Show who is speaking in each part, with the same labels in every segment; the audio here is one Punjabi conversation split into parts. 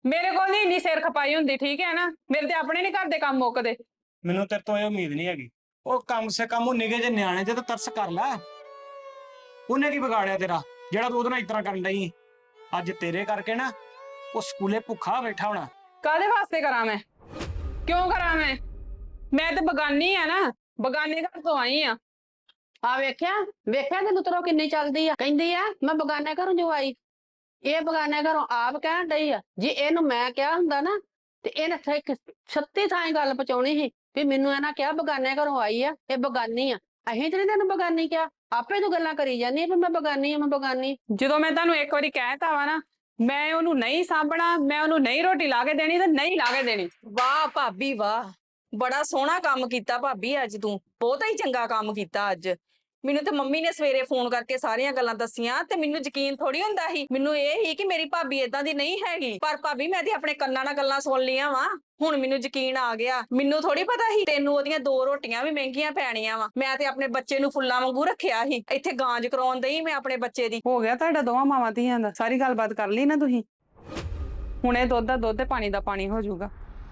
Speaker 1: ਮੇਰੇ ਕੋਲ ਨਹੀਂ ਇੰਨੀ ਸਿਰ ਖਪਾਈ ਹੁੰਦੀ, ਠੀਕ ਹੈ ਨਾ। ਮੇਰੇ ਤੇ ਆਪਣੇ ਨਹੀਂ ਘਰ ਦੇ ਕੰਮ ਮੁੱਕਦੇ।
Speaker 2: ਮੈਨੂੰ ਤੇਰੇ ਤੋਂ ਇਹ ਉਮੀਦ ਨਹੀਂ ਹੈਗੀ। ਉਹ ਕਮ ਸੇ ਕਮ ਉਹ ਨਿੱਕੇ ਜਿਹੇ ਨਿਆਣੇ ਤੇ ਤਾਂ ਤਰਸ ਕਰ ਲੈ। ਉਹਨੇ ਕੀ ਵਿਗਾੜਿਆ ਤੇਰਾ ਜਿਹੜਾ ਤੂੰ ਉਹਦੇ ਨਾਲ ਇਸ ਤਰ੍ਹਾਂ ਕਰਨ ਡਈ? ਅੱਜ ਤੇਰੇ ਕਰਕੇ ਨਾ ਉਹ ਸਕੂਲੇ ਭੁੱਖਾ ਬੈਠਾ ਹੋਣਾ।
Speaker 1: ਕਾਹਦੇ ਵਾਸਤੇ ਕਰਾਂ ਮੈਂ? ਕਿਉਂ ਕਰਾਂ ਮੈਂ ਤੇ ਬਗਾਨੀ ਆ ਨਾ, ਬਗਾਨੇ ਘਰ ਤੋਂ ਆਈ ਆ।
Speaker 3: ਆ ਵੇਖਿਆ ਵੇਖਿਆ ਤੇ ਲੁਤਰੋ ਕਿੰਨੀ ਚੱਲਦੀ ਆ, ਕਹਿੰਦੀ ਆ ਮੈਂ ਬਗਾਨੇ ਘਰੋਂ ਜੋ ਆਈ। ਇਹ ਬਗਾਨੇ ਘਰੋਂ ਆਪ ਕਹਿਣ ਡਈ ਆ। ਜੇ ਇਹਨੂੰ ਮੈਂ ਕਿਹਾ ਹੁੰਦਾ ਨਾ ਤੇ ਇਹਨੇ 36 ਥਾਂ ਗੱਲ ਪਹੁੰਚਾਉਣੀ ਸੀ ਵੀ ਮੈਨੂੰ ਇਹਨਾਂ ਕਿਹਾ ਬਗਾਨੇ ਘਰੋਂ ਆਈ ਆ, ਇਹ ਬਗਾਨੀ ਆ। ਅਸੀਂ ਤੇ ਨੀ ਤੈਨੂੰ ਬਗਾਨੀ ਕਿਹਾ, ਆਪੇ ਤੂੰ ਗੱਲਾਂ ਕਰੀ ਜਾਂਦੀ ਵੀ ਮੈਂ ਬਗਾਨੀ ਆ, ਮੈਂ ਬਗਾਨੀ।
Speaker 1: ਜਦੋਂ ਮੈਂ ਤੁਹਾਨੂੰ ਇੱਕ ਵਾਰੀ ਕਹਿਤਾ ਵਾ ਨਾ, ਮੈਂ ਉਹਨੂੰ ਨਹੀਂ ਸਾਂਭਣਾ, ਮੈਂ ਉਹਨੂੰ ਨਹੀਂ ਰੋਟੀ ਲਾ ਕੇ ਦੇਣੀ ਤੇ ਨਹੀਂ ਲਾ ਕੇ ਦੇਣੀ।
Speaker 4: ਵਾਹ ਭਾਬੀ ਵਾਹ, ਬੜਾ ਸੋਹਣਾ ਕੰਮ ਕੀਤਾ ਭਾਬੀ। ਅੱਜ ਤੂੰ ਬਹੁਤਾ ਹੀ ਚੰਗਾ ਕੰਮ ਕੀਤਾ। ਅੱਜ ਮੈਨੂੰ ਤੇ ਮੰਮੀ ਨੇ ਸਵੇਰੇ ਫੋਨ ਕਰਕੇ ਸਾਰੀਆਂ ਗੱਲਾਂ ਦੱਸੀਆਂ ਤੇ ਮੈਨੂੰ ਯਕੀਨ ਥੋੜੀ ਹੁੰਦਾ ਸੀ। ਮੈਨੂੰ ਇਹ ਹੀ ਕਿ ਮੇਰੀ ਭਾਬੀ ਏਦਾਂ ਦੀ ਨਹੀਂ ਹੈਗੀ, ਪਰ ਭਾਬੀ ਮੈਂ ਤੇ ਆਪਣੇ ਕੰਨਾਂ ਨਾਲ ਗੱਲਾਂ ਸੁਣ ਲੀਆਂ ਵਾ। ਹੁਣ ਮੈਨੂੰ ਯਕੀਨ ਆ ਗਿਆ। ਮੈਨੂੰ ਥੋੜੀ ਪਤਾ ਸੀ ਤੈਨੂੰ ਉਹਦੀਆਂ 2 ਰੋਟੀਆਂ ਵੀ ਮਹਿੰਗੀਆਂ ਪੈਣੀਆਂ ਵਾ। ਮੈਂ ਤੇ ਆਪਣੇ ਬੱਚੇ ਨੂੰ ਫੁੱਲਾਂ ਵਾਂਗੂ ਰੱਖਿਆ ਸੀ। ਇੱਥੇ ਗਾਂਜ ਕਰਾਉਣ ਦਈ ਮੈਂ ਆਪਣੇ ਬੱਚੇ ਦੀ।
Speaker 1: ਹੋ ਗਿਆ ਤੁਹਾਡਾ ਦੋਵਾਂ ਮਾਵਾਂ ਧੀਆਂ ਦਾ, ਸਾਰੀ ਗੱਲਬਾਤ ਕਰ ਲਈ ਨਾ ਤੁਸੀਂ। ਹੁਣ ਇਹ ਦੁੱਧ ਦਾ ਦੁੱਧ ਤੇ ਪਾਣੀ ਦਾ ਪਾਣੀ ਹੋ ਜਾਊਗਾ।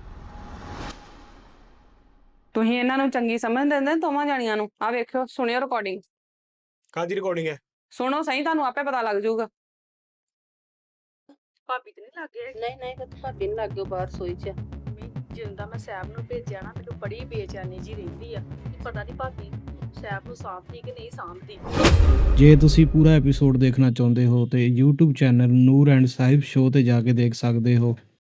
Speaker 1: ਤੁਸੀਂ ਇਹਨਾਂ ਨੂੰ ਚੰਗੀ ਸਮਝ ਦਿੰਦੇ ਦੋਵਾਂ ਜਾਣੀਆਂ ਨੂੰ। ਆ ਵੇਖਿਓ, ਸੁਣਿਓ ਰਿਕਾਰਡਿੰਗ।
Speaker 2: ਕਾਹਦੀ ਰਿਕਾਰਡਿੰਗ ਹੈ?
Speaker 1: ਸੁਣੋ ਸਹੀ, ਤੁਹਾਨੂੰ ਆਪੇ ਪਤਾ ਲੱਗ ਜਾਊਗਾ।
Speaker 4: ਭਾਬੀ ਤੇ ਨਹੀਂ ਲੱਗੇ
Speaker 3: ਨਹੀਂ ਨਹੀਂ ਭਾਬੀ ਨੂੰ ਲੱਗ ਗਿਓ ਬਾਹਰ ਸੋਈ ਚ।
Speaker 4: ਜਿੰਦਾ ਮੈਂ ਸੈਬ ਨੂੰ ਭੇਜਿਆ ਨਾ, ਮੈਨੂੰ ਬੜੀ ਬੇਚੈਨੀ ਜੀ ਰਹਿੰਦੀ ਆ। ਪਤਾ ਨਹੀਂ ਭਾਬੀ ਸੈਬ ਨੂੰ ਸਾਂਭਦੀ ਕਿ ਨਹੀਂ ਸਾਂਭਦੀ।
Speaker 5: ਜੇ ਤੁਸੀਂ ਪੂਰਾ ਐਪੀਸੋਡ ਦੇਖਣਾ ਚਾਹੁੰਦੇ ਹੋ ਤੇ YouTube channel Noor and Sahib show ਤੇ ਜਾ ਕੇ ਦੇਖ ਸਕਦੇ ਹੋ।